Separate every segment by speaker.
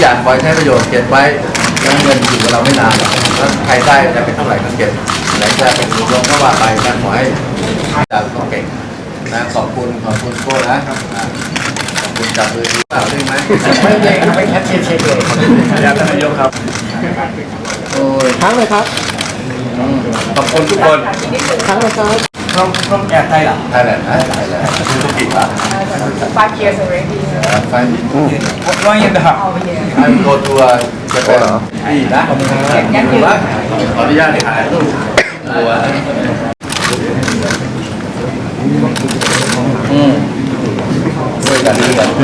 Speaker 1: อย่างปล่อยใช้ประโยชน์เก็บไว้แล้วเงินอยู่กับเราไม่นานหรอกแล้วใครได้จะเป็นเท่าไหร่ก็เก็บไหนจะเป็นรวมก็ว่าไปนะขอให้จากก็เก่งนะขอบคุณโก้นะขอบคุณจับมือดีเปล่าได้ไหม
Speaker 2: ไม่เก่งไม่แคปเช็คเลยอยากท่านนายกครับ
Speaker 1: โอ้ย
Speaker 3: ครั้งเลยครับ
Speaker 1: ขอบคุณทุกคน
Speaker 3: ครั้งเลยครับ
Speaker 2: fromแไทยล่ะ
Speaker 1: ไทยแลนด์นะไทยแลนด์ธุรกิจอ่ะ
Speaker 4: 5 years already.
Speaker 1: ไฟ
Speaker 2: 1 year and a half
Speaker 4: Oh yeah.
Speaker 1: ไอโกทัวร์จะเป็นดีนะขอบคุณครับขออนุญาตถ่ายรูปตัวด้วยกันดีกัน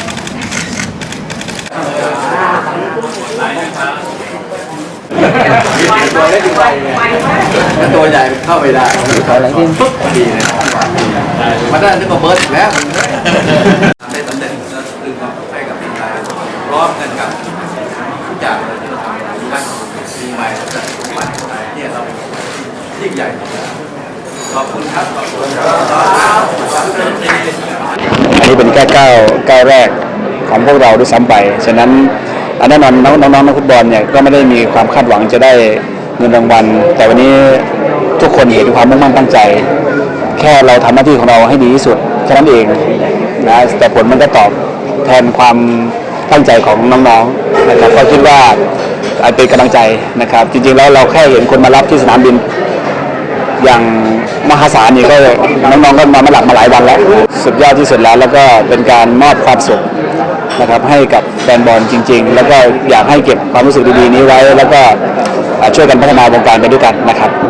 Speaker 1: ตัวเล็กไปถ้าตัวใหญ่เข้าไปได้ปุ๊บดีเลยมาได้นึกว่าเบิร์ดอีกแล้วได้ตำแหน่งแล้วดึงความให้กับทีมไทยพร้อมกันกับทุกอย่างเลยที่เราทำกันปีใหม่จะใหม่ไทยเนี่ยเรายิ่งใหญ่ขอบคุณครับขอบคุณครับ
Speaker 5: อันนี้เป็นแค่ก้าวแรกของพวกเราด้วยซ้ำไปฉะนั้นแน่นอนน้องนักฟุตบอลเนี่ยก็ไม่ได้มีความคาดหวังจะได้เงินรางวัลแต่วันนี้ทุกคนเห็นความมุ่งมั่นตั้งใจแค่เราทำหน้าที่ของเราให้ดีที่สุดแค่นั้นเองนะแต่ผลมันก็ตอบแทนความตั้งใจของน้องๆนะครับก็คิดว่าเป็นกำลังใจนะครับจริงๆแล้วเราแค่เห็นคนมารับที่สนามบินอย่างมหาศาลนี่ก็น้องๆก็มาหลักมาหลายวันแล้วสุดยอดที่สุดแล้วก็เป็นการมอบความสุขนะครับให้กับแฟนบอลจริงๆแล้วก็อยากให้เก็บความรู้สึกดีๆนี้ไว้แล้วก็ช่วยกันพัฒนาวงการไปด้วยกันนะครับ